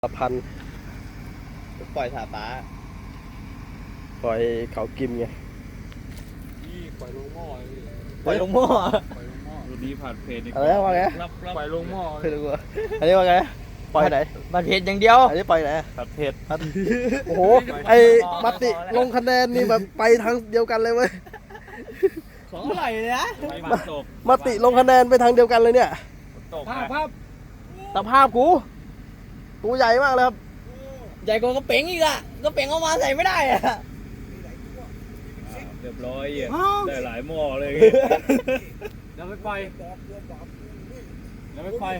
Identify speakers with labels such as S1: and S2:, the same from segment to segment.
S1: พัน
S2: ปล่อยถาตา
S1: ปล่อยเขากิมไง
S3: นี่ปล่อยลงหม้อเลยพี่
S2: ปล่อยลงหม้อ
S3: ปล่อยลงหม้อ
S4: รุ่นนี้ผัดเผ็ด
S1: อะไรว่าไง
S3: ปล่อยลงหม้อ
S1: ไม่รู้ว่าอันนี้ว่าไงปล่อยไหน
S2: บัตรเพจอย่างเดียว
S1: อันนี้ปล่อยไหน
S4: ผัดเผ็ด
S1: โอ้โหไอ้มติลงคะแนนนี่แบบไปทางเดียวกันเลยเว้ย
S2: ของอร่อยเลยนะ
S4: ไปมาตก
S1: มติลงคะแนนไปทางเดียวกันเลยเนี่ย
S4: ตก
S3: ภาพภาพ
S1: สภาพกูตัวใหญ่มากเลยครับ
S2: ใหญ่กว่ากระเป๋งอีกอะกระเป๋งเอามาใส่ไม่ได้อะ
S4: เรียบร้อยอ่ะได้หลายหม้อเลย
S3: เดี๋ยวไปปล่อยเดี๋ยวไปปล่อย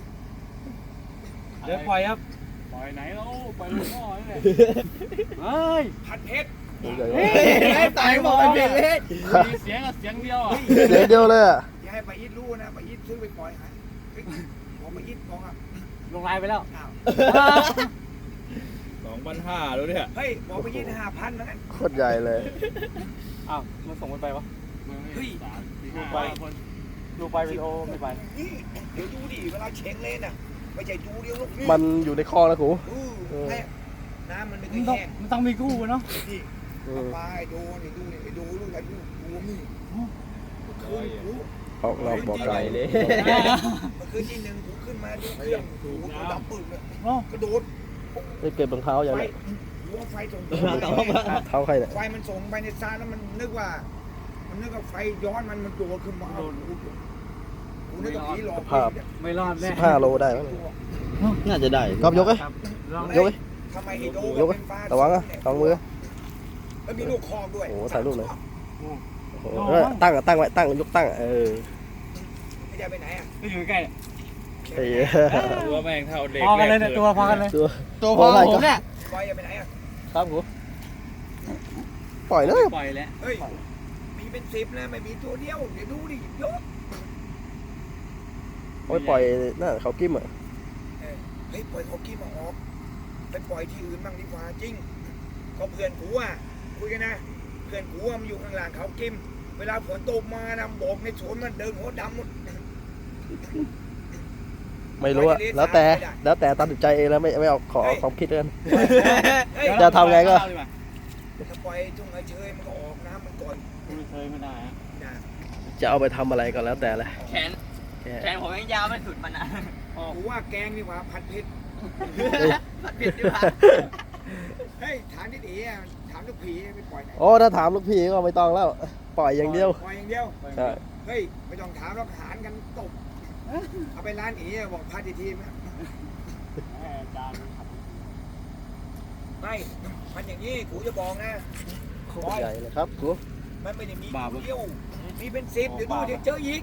S3: เดี๋ยวปล่อยครับปล่อยไหนแล้วปล่อยลงหม้อนี่แหละเฮ้ยผัดเผ็ด
S1: ตัวใหญ่
S2: เฮ้
S1: มาก
S2: ยตายบอกเป็นเพจเลย
S3: มีเสียงกับเสียงเดียวอ่ะ
S1: เสียงเดียวเลยอ่ะ
S5: อย่าให้ปาอีทรู้นะปาอีทซื้อไปปล่อยหายบอกปาอีทบอกอ่ะ
S3: ลงลายไปแล้ว
S5: อ้าว
S4: 2,500แล้วเนี่ย
S5: เฮ้ยบอกปาอีท5,000เหมือนกัน
S1: โคตรใหญ่เลย
S3: อ้าวมันส่งมันไปวะ
S5: เฮ้ย
S3: ลูกไปลูกไปวิดีโอไม่ไป
S5: นี่เดี๋ยวดูดิเวลาเช็งเล่นอ่ะไม่ใช่ดูเดียวลูกนี่
S1: มันอยู่ในคอแล้วกู
S5: แม่น้ำมันไม่เค
S3: มัน
S5: ย
S3: ต้อง
S5: แห้ง
S3: มันต้องมีกู้เนาะ
S5: นี่ปลาไอ้ดูนี่ดูนี่ไอ้ดูลูกไอ้ดูนี่คืนกู
S1: ออกนอกบอกไกลเลย
S5: เมื่อคืนที่1กูขึ้นมาดูเครื่องกูดับปืนเลย
S3: โอ้
S5: กระโดด
S1: ได้เก็บรองเท้าอย่าง
S5: ไฟ
S1: เนี้ย
S5: หัวไฟส่ง
S1: เท้าใครเนี่ย
S5: ไฟมันส่งไปในซาแล้วมันนึกว่าไฟย้อนมันโดดขึ้นมากูนึกว่าผีหลอก
S3: ไม่รอดแน่
S1: 15 โลได้มั้ง
S2: น่าจะได้
S1: ก๊อฟยกเลย
S3: ครับลอง
S1: ยกเลย
S5: ทำไมไอ้โด
S1: ยกเลยระวังอ่ะสองมือ
S5: แล้วมีลูกคอกด้วย
S1: โอ้โหถ่ายรูปเลย โอ้โหตั้งอ่ะตั้งไว้ตั้งยกตั้งเออ
S5: ไม่ได้ไปไหนอ่ะ
S3: ก็อยู่ใกล้
S1: ไอ้
S4: ตัวแม่งเท่าเด็ก
S3: พอกันเลยเนี่ยตัวพอกันเลย
S1: ตัว
S2: ตัวพอผมเนี่ย
S5: บอยอย่าไปไหนอ่ะ
S1: ครับกูปล่อยเลย
S3: ปล่อยแล้ว
S5: เฮ้ยมีเป็น10นะไม่มีตัวเดียวเดี๋ยวดูดิยก
S1: โอ้ยปล่อยน่าเขากิ้มอ่ะ
S5: เฮ้ยปล่อยเขากี้มาออกไปปล่อยที่อื่นบ้างดีกว่าจริงก็เพื่อนกูอ่ะคุยกันนะเพื่อนกูมันอยู่ข้างหลังเขากิมเวลาฝนตกมานะโบกในสวนมันเดินหัวดำหมด
S1: ไม่รู้อะแล้วแต่ตัดสินใจเองแล้วไม่เอาขอความคิดกัน
S5: เฮ้ย
S1: จะทำไงก็
S5: ถ้าปล่อยทุ่งเฉยมันก็ออกน้ำมันก่อน
S3: ไม่เคยไม่ได้ฮะ
S5: นะ
S1: จะเอาไปทำอะไรก็แล้วแต่เลย
S2: แขนผมยังยาวไม่สุดมันอ่ะ
S5: กูว่าแกงดีกว่าผัดเผ็ด
S2: ผัดเผ็ดดีกว่า
S5: เฮ้ยถามที่ดีอ่ะถามลูกผีไปปล่อยไหน
S1: โอ้ถ้าถามลูกพี่ก็ไม่ต้องแล้วปล่อยอย่างเดียว
S5: ปล่อยอย่างเดียว
S1: ใช่
S5: เฮ้ยไม่ต้องถามหรอกหารกันตบเอาไปร้านอีบอกพาทีทีมนะไม่มันอย่างนี้กูจะบอกนะ
S1: โคตรใหญ่เลยครับกู
S5: มันไม่ได้มีตัวเดียวมีเป็น10เดี๋ยวดูเดี๋ยวเจออีก